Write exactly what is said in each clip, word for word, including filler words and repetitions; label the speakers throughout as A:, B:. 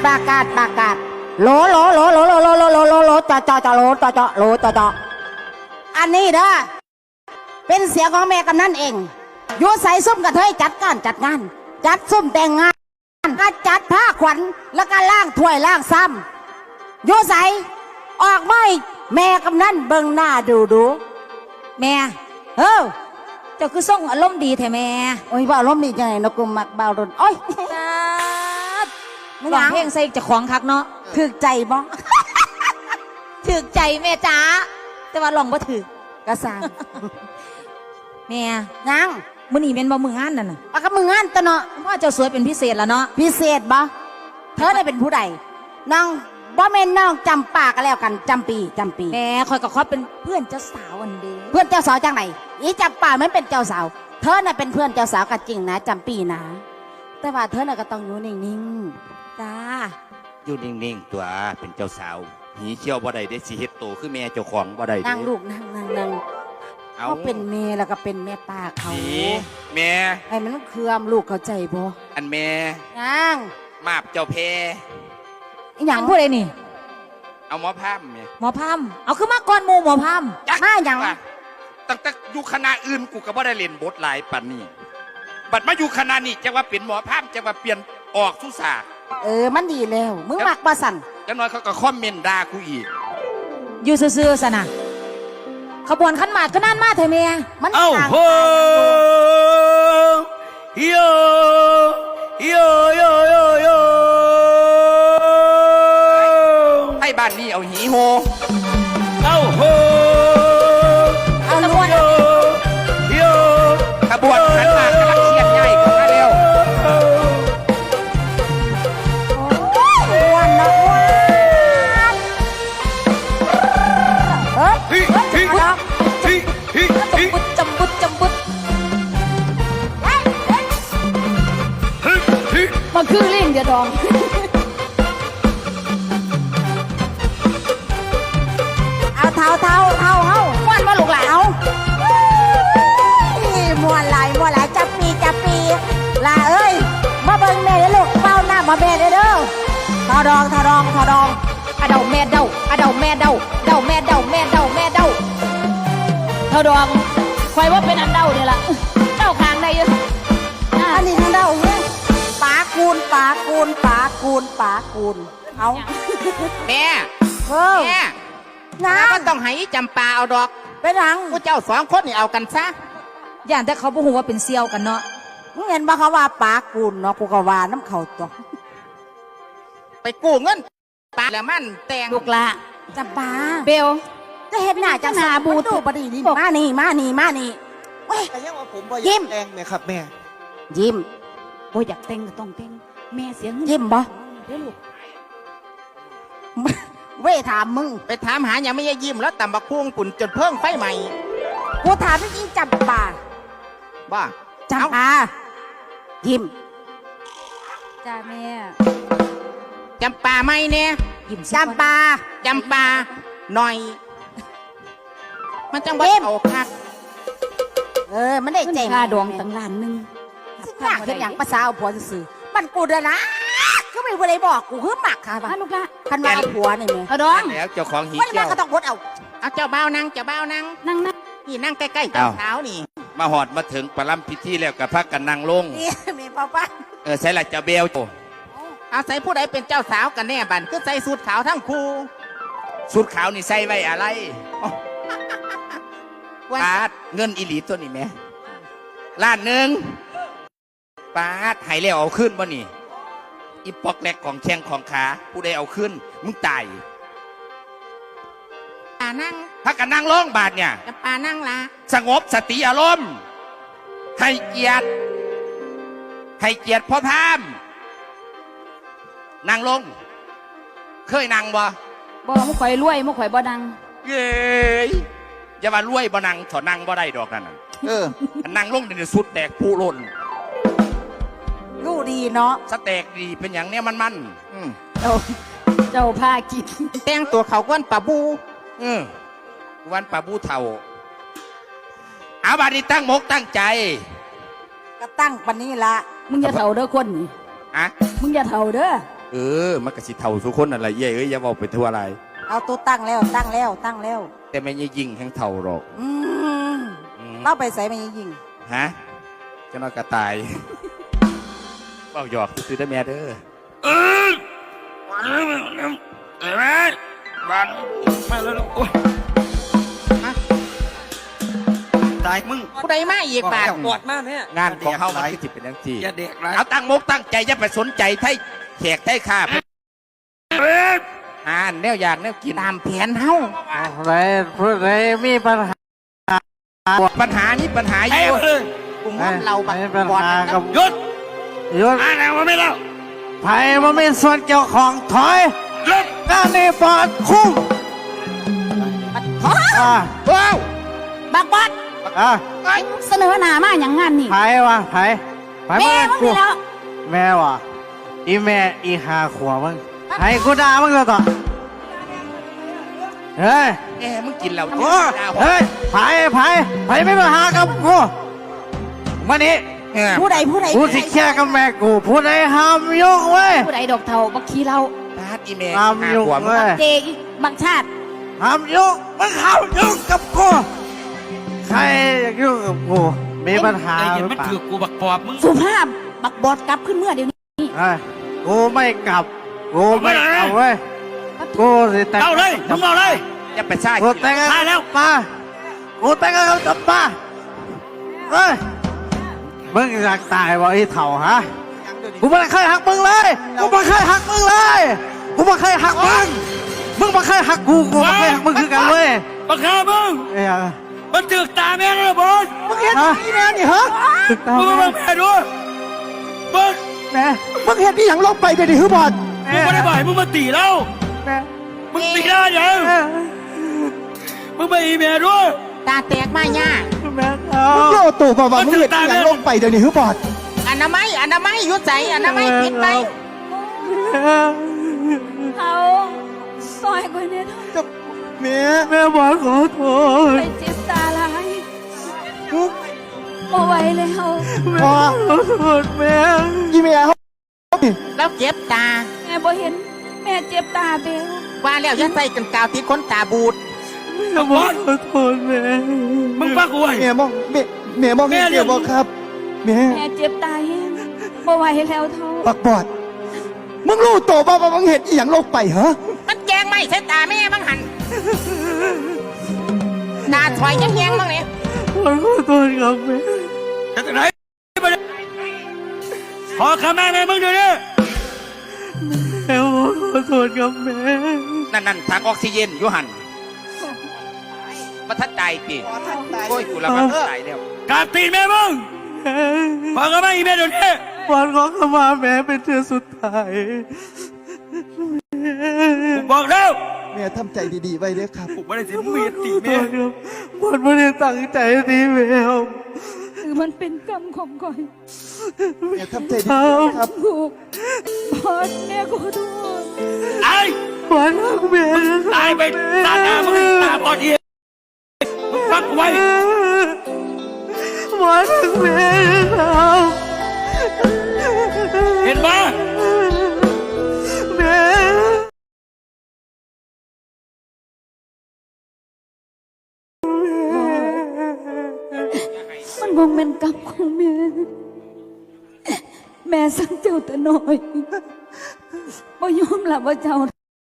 A: ประกาศประกาศโหลโหลโหลโหลโหลโหลโหลโหลโหลโหลจอจอจอโหลจอจอโหลจอจออันนี้เด้อเป็นเสียงของแม่กำนันเองอยู่ใส่ซุ่มกระเทยจัดการจัดงานจัดซุ่มแต่งงานก็จัดผ้าขวัญแล้วก็ล่างถ้วยล่างซ้ำอยู่ใส่ออกไม่แม่กำนันเบิ่งหน้าดูดูแม่เออเจ้าคือส่งอารมณ์ดีแท้แม่โอ้ยว่าอารมณ์ดีจังไงนกุมมักบ่าวรุนโอ้ยร้องเพลงใส่จะของคักเนาะถึกใจบ่ถึกใจแม่จ๋าแต่ว่าลองบ่ถึกกระซังแม่ยังมื้อนี้เป็นบ่มื้องานนั่นน่ะอ่ะก็มื้องานตะเนาะว่าเจ้าสวยเป็นพิเศษแล้วเนาะพิเศษบ่เธอได้เป็นผู้ใดน้องบ่แม่นน้องจำปาก็แล้วกันจำปีจำปีแม่คอยกับเขาเป็นเพื่อนเจ้าสาวอันเดีเพื่อนเจ้าสาวจังไหนอีจำปามันเป็นเจ้าสาวเธอน่ะเป็นเพื่อนเจ้าสาวก็จริงนะจำปีนะแต่ว่าเธอน่ะก็ต้องอยู่นิ่งๆจ้า
B: อยู่นิ่งๆตัวเป็นเจ้าสาวหีเชี่ยวบ่ได้ได้สิเฮ็ดโตคือแม่เจ้าของบ่ได้
A: นั่งลูกนั่งนั่งนั่งเขาเป็นแม่แล้วก็เป็นแม่ป้าเขา
B: แม่
A: ไอ้มันเคืองลูกเข้าใจบ่
B: อันแม่
A: นั่ง
B: มาบเจ้าเพ
A: อีหยังพูดอะไรนี่
B: เอาหมอพามเนี่ย
A: หมอพามเอาขึ้นมาก่อนหมู่หมอพามมาอย่าง
B: ตั้งแต่อยู่คณะอื่นกูก็บ่ได้เล่นบทหลายปันนี่บัดมาอยู่คณะนี้จะว่าเป็นหมอพามจะว่าเปลี่ยนออกทุสา
A: เออมันดีแล้วมึงมักบ่สั่น
B: จังน้อยเขาก็คอมเมนต์ด่ากูอีก
A: อยู่ซื่อๆซะนะขบวนขันหมากก็นั่นมาเถอะเมียมัน
B: เอ้าโหโยโยโยโยโยให้บ้านนี้เอาหีโฮเอ้าโห
A: เอาขบวน
B: โยขบวนขันหมากกำลังเชียนใหญ่ของมาเร็ว
A: วันละวันเฮ้ยเฮ้ยบุดจำบุดจำบุดมันคือลิงเดียดองเอาเท้าเท้าเท้าเท้าม้วนมาลูกหลานเอาม้วนหลายม้วนหลายจับปีจับปีลาเอ้ยมาเบิ่งแม่เด้อลูกเป้าหน้ามาแม่เด้อเด้อทอดองทอดองทอดองอะเดาแม่เดาอะเดาแม่เดาเดาแม่เดาแม่เดาแม่เดาทอดองคอยว่าเป็นอันเดาเนี่ยล่ะเดาคางได้ยังอันนี้ทางเดาเนี่ยปากูนปากูนปากูนปากูนเอา
B: แม่
A: เออ
B: แม่นะก็ต้องให้จำปาเอาดอก
A: ไปหลัง
B: ผู้เจ้าสองคนนี่เอากันซะ
A: อย่างแต่เขาพูดว่าเป็นเซียวกันเนาะมึงเห็นบ่เขาว่าปากูนเนาะกูก็ว่าน้ำเขาตัว
B: ไปกู้เงินปาแล้วมันแต่ง
A: ลูกละจำปาเบลจะเห็นหน้าจังสาบูตูบดีนี่มานี่มานี่มานี่
C: แต่ยังว่าผมบ่อยากแต่งเนี่ยครับแม่
A: ยิ้มบ่อยากแต่งก็ต้องแต่งแม่เสียงยิ้มบ่เด้อลูกเว้ยถามมึง
B: ไปถามหาอย่างไม่ยยิ้มแล้วตำบักพุ่งปุ่นจนเพิ่งไฟใหม่
A: กูถามจริงจำปา
B: บ้า
A: จำปายิ้มจ้าแม่
B: จำปาไม่เนี่ย
A: ยิ้มจำปา
B: จำปาหน่อยมันจังบ่เอาคัก
A: เออมันได้ใจค่าดวงตั้งล้านนึงสิอยากเห็นอย่างภาษาเอาผัวซื่อมันกูเด้อนะก็ไม่ผู้ใดบอกกูคือหมักค่ะบ้าลูกละคันว่าเอาผัวนี่แม่
B: เอาดองแล้วเจ้าของหี
A: เกี่ยวก็ต้องกดเอา
B: เอาเจ้าเบ้านั่งเจ้าเบ้านั่ง
A: นั่งนั่ง
B: นี่นั่งใกล้ๆเจ้าสาวนี่มาหอดมาถึงประลัมพิธีแล้วกับพักกันนั่งลง
A: นี่มีป้าป้า
B: เออใส่ละเจ้าเบลเอาใส่ผู้ใดเป็นเจ้าสาวกันแน่บันคือใส่สูทขาวทั้งคู่สูทขาวนี่ใส่ไว้อะไรปาดเงินอิลีตัวนี้แม่ล้านหนึ่งปาดหายแล้วเอาขึ้นบ่นี่อีปอกแหลกของแข้งของขาผู้ใดเอาขึ้นมึงตาย
A: ปานั่ง
B: พักกันนั่งลงบาทเนี่ย
A: จะปานั่งละ
B: สงบสติอารมณ์ให้เกียรติให้เกียรติพ่อพามนั่งลงเคยนั่งบ่
A: บ่มุข่อยรวยมุข่อยบ่ดัง
B: เย้ยอย่ามารวยบ่นั่งถอนั่งบ่ได้ดอกนั่นเออนั่งลงในสุดแตกผู้ล้น
A: รู้ดีเนาะ
B: สแตกดีเป็นอย่างเนี้ยมันมัน
A: เจ้าเจ้าพากิน
B: แต่งตัวเขาก้นปะบูเออวันปะบูเท่าเอาบาดีตั้งมกตั้งใจ
A: ก็ตั้งปันนี้ละมึงอย่าเท่าเด้อคนนี่
B: อะ
A: มึงอย่าเท่าเด้อ
B: เออมันก็สิเท่าทุกคนอะไรเย้เอ้ยอย่าบอกไปทั่วอะไร
A: เอาตัวตั้งแล้วตั้งแล้วตั้งแล้ว
B: แต่ไม่ยยิงแห่งเท่าหรอก
A: อืม
B: อืม
A: เล่าไปใส่ไม่ยิง
B: ฮะเจะนอนกระตายเบ้าหยอกซื้อได้แม่เด้อเออวันนี้เห็นไหมบ้านมาแล้วโอ้ย
C: ตายมึง
D: ผู้ใดมาอีกบาท
C: ปวดมากเนี่ย
B: งานของเขามันคือจิเป็นยังจี
C: อย่าเด็กไร
B: เอาตั้งมกตั้งใจอย่าไปสนใจไทยแขกไทยข้าอ่านแนวอยากแนวกิน
A: ตามแผนเฮา
E: อะไรพูดอะไรมีปัญหา
B: ปัญหานี้ปัญหาเยอะ
A: กลุ่มว่าเราบัก
E: มีปัญ
A: บอด
E: หา
A: นะ
E: กับ
C: หยุด
E: หยุด
C: อ่านแล้วมาไม่แล้ว
E: ไผ่มันมีส่วนเกี่ยวของถอย
C: หยุด
E: งานนี้ปอดคุ้มอ่า
B: ว้าว
A: บักบอด
E: อ่า
A: เสนอหน้ามาอย่างงานนี่
E: ไผ่วะไผ่ไผ่
A: แม่
E: มา
A: มึง
E: กู
A: นี่แล้ว
E: แม่วะอีแม่อีหาขวมึงไผ่กูด่ามึงเลยต่อเฮ้ย
B: แหมมึงกินเหล้า
E: โอ้
B: หน้าหัว
E: เฮ้ยไผ่ไผ่ไผ่ไม่มาหากับกูมานี่
B: เออ
A: ผู้ใดผู้ใด
E: กูสิแค่กับแม่กูผู้ใดห้ามยุ่งเว้ย
A: ผู้ใดดอกเทาบักขี้เรา
B: ตาดอีเม
E: ห้าม
B: หา
E: ยุ่ง
B: หัวมึง
E: เว้ย
A: เจอีบักชาติ
E: ห้ามยุ่งมึงห้ามยุ่งกับกูใครอยากยุ่งกับกูมีปัญหา
C: ไอ้
E: ห
C: เห็น
E: รือ
C: มัน
E: เปล่า
C: ถือกูบักปอบมึง
A: สุภาพบักบอดกลับขึ้นเมื่อเดี๋ยวนี้
E: เฮ้ยกูไม่กลับกูไม่เอาเว้ยกูสิแต่ง
C: เอาเลยมึงเอาเลย
B: อย่าไปซ่า
E: กูแต่งงาน
C: ตายแล้ว
E: ป้ากูแต่งงานกับป้าเฮ้ยมึงอยากตายวะไอ้เถ่าฮะกูไม่เคยหักมึงเลยกูไม่เคยหักมึงเลยกูไม่เคยหักมึงมึงไม่เคยหักกูกูไม่เคยหักมึงคือกันเว้ย
C: บักฮามึง
E: เอ้ย
C: มันถือตาแม่งเลยบอล
E: มึงเห็นอีแม่นี่เหรอตึกตา
C: มึง
E: แม่
C: มาแม่ด้วยมึง
E: แม่
F: มึงเห็นที่อย่างลบไปเดี๋ยวนี้คือบอด
C: มึงไม่ได้บ่อยมึงมาตีแล้ว
E: แม่
C: มึงตีได้ยัง
E: แม่
C: มึงมาอีเมลด้วย
A: ตาแตกมาย่า
E: แม่เอา
F: มึงโยตู่บอกว่ามึงเห็นที่อย่างลบไปเดี๋ยวนี้คือบอด
A: อนามัยอนามัยยุดใจอนามัยปิดไป
G: เขาซอยกว่านี้
F: แม่
E: แม่บอกขอโทษ
G: ไปเจ็บตาลายบ่ไหวแล้ว
F: พอ
E: ขอโทษแม่
F: ยี่แม่เขา
A: แล้วเจ็บตา
G: แม่บ่เห็น แม่เจ็บตาเบล
A: ว่าแล้วอย่าใส่กันกาวติดคนตาบูด
E: แม่บอกขอโทษแม่
C: มึงฟังกูไว้
F: แม่มองแม่แม่มองเห็นเดียวบอกครับแม่
G: แม่เจ็บตาแห้งบ่ไหวแล้วเท่า
F: บักบอดมึงรู้ตัวบอกว่ามึงเห็นที่อย่างลบไปเหรอ
A: มันแจงไม่ใช่ตาแม่บ้างหันตาถอยยังแยงบ้างเนี่ย
E: ขอโทษครับแม่
C: จะไหนขอคำแม่แม่มึงเดี๋ยวนี้
E: แม่บอกขอโทษครับแม่
B: นั่นนั่นทางออกซิเจนอยูหันมาทัดใจปีโอ้ยกูละมันตายแล้ว
C: การตีนแม่มึงขอคำแม่อีเมลเดี๋ยวนี้
E: วันขอขมาแม่เป็นเทือสุดท้าย
C: กูบอกแล้ว
F: แม่ทำใจดีๆไว้เด้อครับ
C: กูไม่ได้สิมึงมีตี
E: ขอโท
C: แม่
E: ษครับวันไม่ได้ตั้งใจตีแมว
G: คือมันเป็นกรรมของก่อย
F: แม่ทำใจดีๆครับ
G: ถูกพอดแม่ขอโทษ
C: ไอ้
E: วันรักแม่
C: ตายไปตาหน้ามึงตาบอดเองมึงฟังกูไว้
E: วันรักแม่ครับ
C: เห็นไหม
E: แม่
G: มันคงเป็นกรรมของแม่ แม่สั่งเจ้าแต่น้อยบ่ยอมรับว่าเจ้า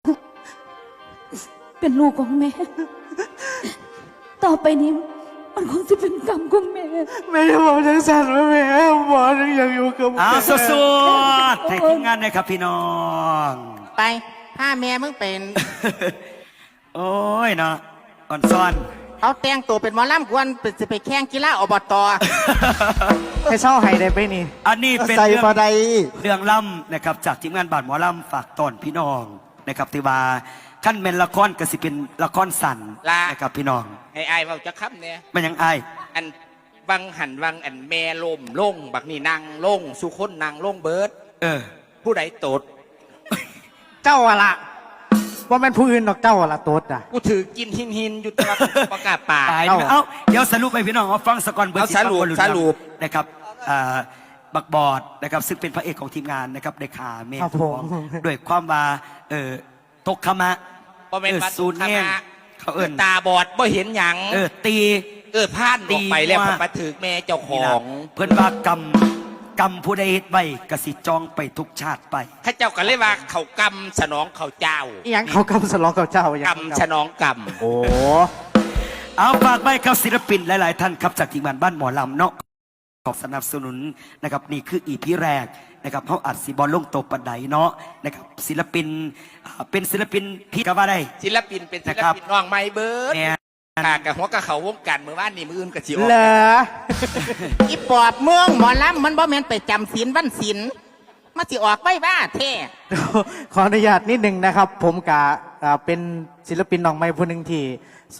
G: เป็นลูกของแม่ ต่อไปนี้ มันคงจะเป็นกรรมของแม่
E: แม่จะบอกทั้งสัตว์ว่าแม่บอกทั้งอยากอยู่กับ
C: เอา
E: แม่
C: สดๆให้ทีมงานนะครับพี่น้อง
A: ไปถ้าแม่มึงเป็น
C: โอ้ยเนาะอ่อนซ่อน
A: เขาแต่งตัวเป็นหมอลำกวนเป็นสิไปแข่งกีฬาอบต
E: ให้เช่าให้ได้ไปนี่
C: อันนี้เป็น
F: ใส่
C: เรื่อง
F: ปลาใด
C: เรื่องล่ำนะครับจากทีมงานบาดหมอล่ำฝากตอนพี่น้องนะครับที่ว่าขั้นเป็นละครก็สิเป็นละครสั่นนะครับพี่น้อง
B: ให้อายเราจะค้ำเนี่ย
C: มันยังอาย
B: อันวังหันวังอันแม่ลมลงบักนี่นางลงสุคนนางลงเบิร์ด
C: เออ
B: ผู้ใดตด
E: เจ้าอะละว่าแม่นผู้อื่นดอกเจ้าอะละตัวอ่ะ
B: กูถือกินหินหินอยู่ตัวประกาศป่า
C: ตาย
E: เอ้า
C: เอ้าเดี๋ยวสรุปไปพี่น้องเอาฟังสกอนเบอร์
B: เอาสรุป
C: สิบ
B: สรุป
C: นะครับอ่าบักบอดนะครับซึ่งเป็นพระเอกของทีมงานนะครับได้ขาเม
E: ครับ
C: ท
E: ผ
C: อ
E: ม
C: งด้วยความว่าเออตกขมะ
B: บ่แม่น
C: เออ
B: ว่า
C: ศูนย์
B: ตกขมะ
C: แง่งเขาเอิ้น
B: ตาบอดบ่เห็นหยัง
C: เออตี
B: เออพลาดออกไปแล้ว
C: ตีว่า
B: มาถึกแม่เจ้าข
C: นี่
B: อ
C: ล่ะ
B: ง
C: เพิ่นว่ากรรมกรรมผู้ใดเฮ็ดไว้กสิจองไปทุกชาติไป
B: ข้าเจ้าก็เลยว่าเขากำสนองเขาเจ้า
E: อีหยังเขากำสลองกับเจ้าอย่าง
B: กำสนองก
E: โอ้
C: เอาฝากไว้กับศิลปินหลาย ๆ ท่านครับจากทีมงานบ้านหมอลำเนาะขอบสนับสนุนนะครับนี่คืออีพีแรกนะครับเขาอัดสีบอลลงโตปันไดเนาะนะครับศิลปินอ่าเป็นศิลปินพี่ก็ว่าได้
B: ำศิลปินเป็นศิล
C: นะครับ
B: ปินน้องไม้เบิร์ด
C: เนี่ย
B: ค่ะกับหัวกับเขาวงการมือว่านนี่มืออื่นกับจิออก
E: เหรอ
D: อีปอบเมืองหมอลำมันบ่แม่นไปจำศีลวันศีลมาสิออกไว้บ้าเท่
E: ขออนุญาตนิดหนึ่งนะครับ ผมกะอ่าเป็นศิลปินน้องใหม่ผู้หนึ่งที่